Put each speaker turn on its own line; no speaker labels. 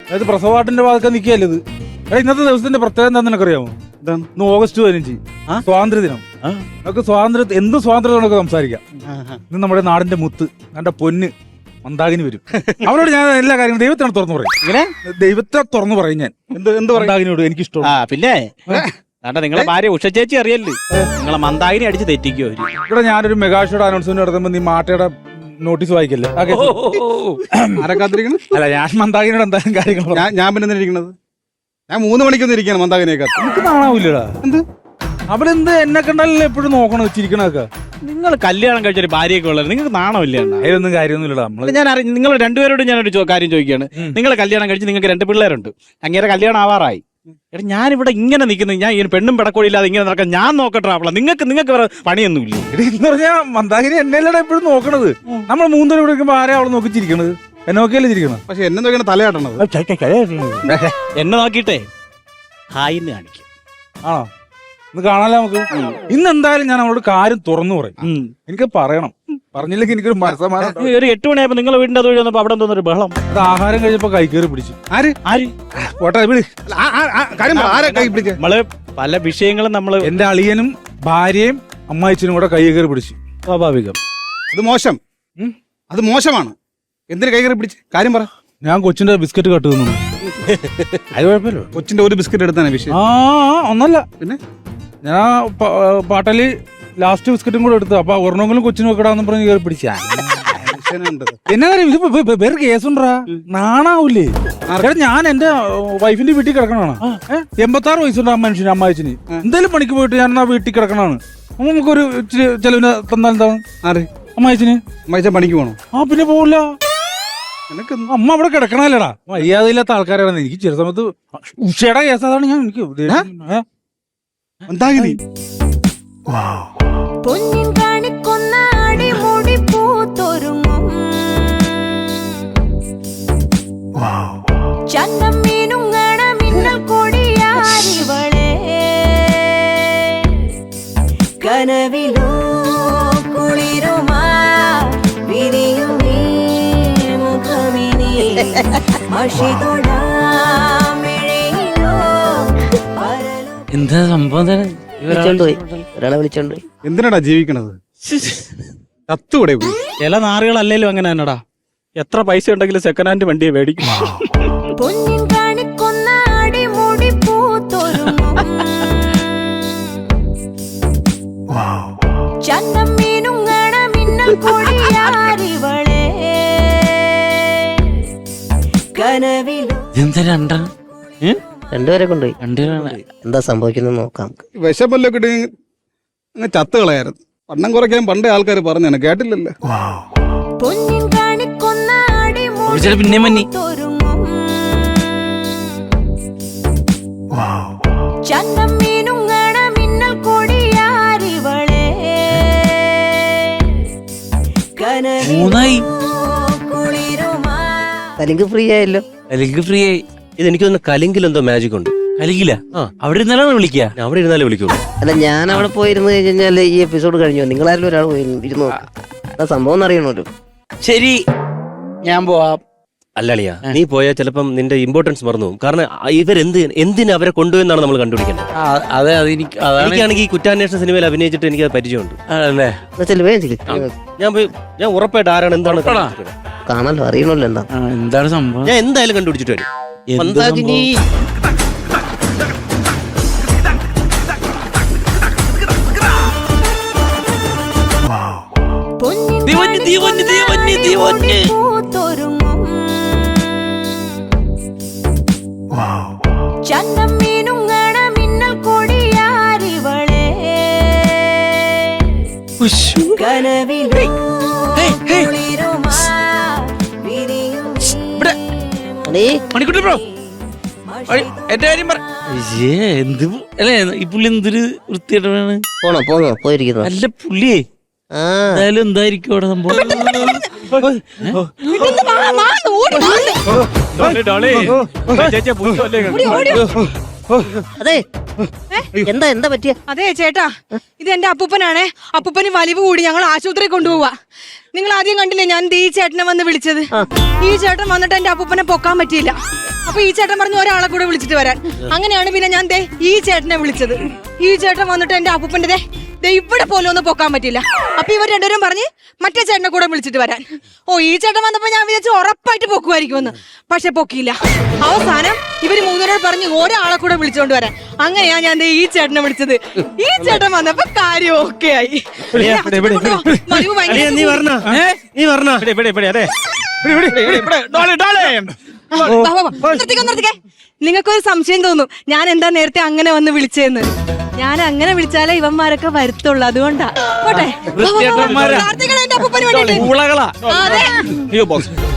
അതായത് പ്രസവവാട്ടിന്റെ ഭാഗത്ത് നിൽക്കുകയല്ലേ ഇത്. ഇന്നത്തെ ദിവസത്തിന്റെ പ്രത്യേകത എന്താ നിനക്കറിയാമോ? ഇന്ന് ഓഗസ്റ്റ് 15 സ്വാതന്ത്ര്യ ദിനം. നമുക്ക് എന്ത് സ്വാതന്ത്ര്യം നമുക്ക് സംസാരിക്കാം. ഇന്ന് നമ്മുടെ നാടിന്റെ മുത്ത്, എന്റെ പൊന്ന് മന്ദാകിനി വരും. അവനോട് ഞാൻ എല്ലാ കാര്യങ്ങളും ദൈവത്തിനോട് തുറന്നു പറയും. ഇങ്ങനെ ദൈവത്തെ തുറന്നു പറയും ഞാൻ. എന്ത് മന്ദാകിനിയോട് എനിക്ക് ഇഷ്ടം.
പിന്നെ നിങ്ങളെ ഭാര്യ ഉഷ ചേച്ചി അറിയല്ലേ, നിങ്ങളെ മന്ദാകിനി അടിച്ച് തെറ്റിക്കോ.
ഇവിടെ ഞാനൊരു മെഗാഷോയുടെ അനൗൺസ്മെന്റ് നടത്തുമ്പോ നീ മാട്ടയുടെ നോട്ടീസ് വായിക്കല്ലേ? അല്ല, ഞാൻ മന്ദാകിനിയോട് എന്തായാലും കാര്യങ്ങൾ
ഞാൻ പിന്നെ ഇരിക്കണത് ഞാൻ 3 മണിക്കൊന്നും ഇരിക്കണം മന്ദാകിനിയൊക്കെ.
എനിക്ക് കാണാവൂല്ലടാ. എന്ത് അവരെന്ത് എന്നെ കണ്ടാലല്ലേ എപ്പോഴും നോക്കണം വെച്ചിരിക്കണൊക്കെ.
നിങ്ങൾ കല്യാണം കഴിച്ചൊരു ഭാര്യയൊക്കെ ഉള്ളത് നിങ്ങൾക്ക് നാണമില്ല.
അതിലൊന്നും കാര്യമൊന്നുമില്ലടാ.
ഞാൻ നിങ്ങൾ രണ്ടുപേരോട് ഞാനൊരു കാര്യം ചോദിക്കുകയാണ്. നിങ്ങൾ കല്യാണം കഴിച്ച് നിങ്ങൾക്ക് 2 പിള്ളേരുണ്ട്, അങ്ങേരെ കല്യാണം ആവാറായി. എടാ ഞാനിവിടെ ഇങ്ങനെ നിൽക്കുന്നത്, ഞാൻ ഈ പെണ്ണും പെടക്കോടിയില്ലാതെ ഇങ്ങനെ നടക്കാൻ ഞാൻ നോക്കട്ടെ. അപ്പോൾ നിങ്ങൾക്ക് വേറെ പണിയൊന്നുമില്ല.
എന്ന് പറഞ്ഞാൽ മന്ദാകിനി എന്നെയല്ലടാ എപ്പോഴും നോക്കണത്. നമ്മൾ 3 പേര് വിളിക്കുമ്പോ ആരെയാ അവളെ നോക്കിച്ചിരിക്കണത്? എന്നെ നോക്കിയല്ലേ ചിരിക്കണം.
പക്ഷെ എന്നെ നോക്കിയാണ് തലയാട്ടണത്.
എന്നെ നോക്കിയിട്ടേ ഹായിന്ന് കാണിക്കും.
ആണോ? ഇന്ന് കാണാലോ നമുക്ക്. ഇന്ന് എന്തായാലും ഞാൻ അവളോട് കാര്യം തുറന്നു പറയും. എനിക്ക് പറയണം. പറഞ്ഞില്ലെങ്കിൽ എനിക്കൊരു മനസ്സമാനം.
ഒരു 8 മണിയായപ്പോ നിങ്ങളെ വീടിന്റെ അത് വന്നപ്പോ അവിടെ എന്തോന്നൊരു ബഹളം.
അത് ആഹാരം കഴിച്ചപ്പോ കൈക്കേറി പിടിച്ചു.
ആര്
പോട്ടെ വിളി.
നമ്മള് പല വിഷയങ്ങളും നമ്മള്
എന്റെ അളിയനും ഭാര്യയും അമ്മായിച്ചനും കൂടെ കൈകേറി പിടിച്ചു. സ്വാഭാവികം.
അത് മോശമാണ്. എന്തിനു കൈകേറി പിടിച്ച് കാര്യം പറ.
ഞാൻ കൊച്ചിന്റെ ബിസ്ക്കറ്റ് കട്ട് തിന്നു. അത് കുഴപ്പമില്ല.
കൊച്ചിന്റെ ഒരു ബിസ്ക്കറ്റ് എടുത്താണ് വിഷയം.
ഒന്നല്ല, പിന്നെ ഞാൻ പാട്ടല് ലാസ്റ്റ് ബിസ്ക്കറ്റും കൂടെ എടുത്തു. അപ്പൊ ഒരെണ്ണമെങ്കിലും കൊച്ചിന് വെക്കടാന്ന് പറഞ്ഞ് കയറി പിടിച്ച. എന്നാ കാര്യം? ഇത് വേറെ കേസുണ്ടാ? നാണാവൂലേ? ഞാൻ എന്റെ വൈഫിന്റെ വീട്ടിൽ കിടക്കണാണ്. 86 വയസ്സുണ്ട് ആ മനുഷ്യന്, അമ്മായിച്ചിന്. എന്തായാലും പണിക്ക് പോയിട്ട് ഞാൻ ആ വീട്ടിൽ കിടക്കണാണ്. നമുക്കൊരു ചെലവിന് തന്നാൽ എന്താണ്? അമ്മായിച്ചിന്
പണിക്ക് പോകണം.
പിന്നെ പോവില്ല. അമ്മ അവിടെ കിടക്കണല്ലേടാ. മര്യാദയില്ലാത്ത ആൾക്കാരാണ്. എനിക്ക് ചില സമയത്ത് ഉഷയുടെ കേസ് അതാണ്. ഞാൻ എനിക്ക്
കനവിലോ കുളിരുമാ വിരിയും മുഖമിനി
എന്താ സംഭവം?
ഒരാളെ വിളിച്ചോണ്ട് പോയി.
എന്തിനാടാ ജീവിക്കണത്? ചത്തുകൂടെ?
ചില നാറുകളല്ലേലും അങ്ങനെ തന്നെടാ. എത്ര പൈസ ഉണ്ടെങ്കിലും സെക്കൻഡ് ഹാൻഡ് വണ്ടിയെ മേടിക്കും.
രണ്ടുപേരെ കൊണ്ടുപോയി. എന്താ സംഭവിക്കുന്നത് നോക്കാം.
വിശപ്പല്ലോ കിട്ടി ചത്ത് കളയായിരുന്നു. വണ്ണം കുറയ്ക്കാൻ പണ്ടേ ആൾക്കാർ പറഞ്ഞാണ്, കേട്ടില്ലല്ലോ.
പിന്നെ മന്നി
കലിങ്ക് ഫ്രീ ആയല്ലോ.
കലിങ്ക് ഫ്രീ ആയി. ഇതെനിക്ക് തോന്നുന്നു കലിങ്കിൽ എന്തോ മാജിക് ഉണ്ട്. കലിങ്കില അവിടെ ഇരുന്നാലാണ് വിളിക്കുക. അവിടെ ഇരുന്നാലേ വിളിക്കുള്ളൂ.
അല്ല, ഞാൻ അവിടെ പോയിരുന്നു കഴിഞ്ഞാൽ ഈ എപ്പിസോഡ് കഴിഞ്ഞു. നിങ്ങളാരും ഒരാൾ ഇരുന്നു എന്താ സംഭവം അറിയണല്ലോ.
ശരി, ഞാൻ പോവാം.
അല്ലളിയാ, നീ പോയാൽ ചിലപ്പം നിന്റെ ഇമ്പോർട്ടൻസ് മറന്നു പോകും. കാരണം എന്തിനു അവരെ കൊണ്ടുപോയെന്നാണ് നമ്മൾ കണ്ടുപിടിക്കേണ്ടത്.
അതെ,
എനിക്കാണെങ്കിൽ ഈ കുറ്റാന്വേഷണ സിനിമയിൽ അഭിനയിച്ചിട്ട് എനിക്ക് പരിചയമുണ്ട്. ഞാൻ ഉറപ്പായിട്ട് ആരാണ് എന്താണ്
കാണാലോ, അറിയണല്ലോ
എന്താണ് സംഭവം.
ഞാൻ എന്തായാലും കണ്ടുപിടിച്ചിട്ട് വരും.
മണിക്കുട്ടി ബ്രോ, എന്റെ കാര്യം പറ. എന്ത് അല്ലേ ഈ പുള്ളി എന്തൊരു വൃത്തിയായിട്ടാണ്
പോയിരിക്കുന്നു.
അല്ല പുള്ളിയെ എന്തായാലും എന്തായിരിക്കും അവിടെ സംഭവം.
അതെ എന്താ പറ്റിയ?
അതെ ചേട്ടാ, ഇത് എന്റെ അപ്പൂപ്പനാണേ. അപ്പൂപ്പന് വലിവ് കൂടി ഞങ്ങൾ ആശുപത്രി കൊണ്ടുപോവാ. നിങ്ങൾ ആദ്യം കണ്ടില്ലേ ഞാൻ ഈ ചേട്ടനെ വന്ന് വിളിച്ചത്? ഈ ചേട്ടൻ വന്നിട്ട് എന്റെ അപ്പൂപ്പനെ പൊക്കാൻ പറ്റിയില്ല. അപ്പൊ ഈ ചേട്ടൻ പറഞ്ഞു ഒരാളെ കൂടെ വിളിച്ചിട്ട് വരാൻ. അങ്ങനെയാണ് പിന്നെ ഞാൻ ഈ ചേട്ടനെ വിളിച്ചത്. ഈ ചേട്ടൻ വന്നിട്ട് എന്റെ അപ്പൂപ്പന്റെ ഇവിടെ പോലും ഒന്ന് പൊക്കാൻ പറ്റില്ല. അപ്പൊ ഇവർ രണ്ടുപേരും പറഞ്ഞ് മറ്റേ ചേട്ടനെ കൂടെ വിളിച്ചിട്ട് വരാൻ. ഈ ചേട്ടൻ വന്നപ്പോ ഞാൻ വിചാരിച്ചു ഉറപ്പായിട്ട് പൊക്കുമായിരിക്കുമെന്ന്. പക്ഷെ പൊക്കിയില്ല. അവസാനം ഇവര് മൂന്നുപേരോട് പറഞ്ഞ് ഒരാളെ കൂടെ വിളിച്ചോണ്ട് വരാൻ. അങ്ങനെയാ ഞാൻ ഈ ചേട്ടനെ വിളിച്ചത്. ഈ ചേട്ടൻ വന്നപ്പോ കാര്യം ഓക്കെ ആയി. മധു ഭയങ്കര
നീ പറഞ്ഞ
നിർത്തിക്കേ. നിങ്ങൾക്കൊരു സംശയം തോന്നും ഞാൻ എന്താ നേരത്തെ അങ്ങനെ വന്ന് വിളിച്ചതെന്ന്. ഞാൻ അങ്ങനെ വിളിച്ചാലേ ഇവന്മാരൊക്കെ വരുത്തുള്ളൂ. അതുകൊണ്ടാ. പോട്ടെ.
വൃത്തികെട്ടവന്മാരാ.
കാർത്തികേയൻ എന്റെ അപ്പൂപ്പന് വേണ്ടിയിട്ട്.
ഉളകളാ.
അതെ.
അയ്യോ ബോസ്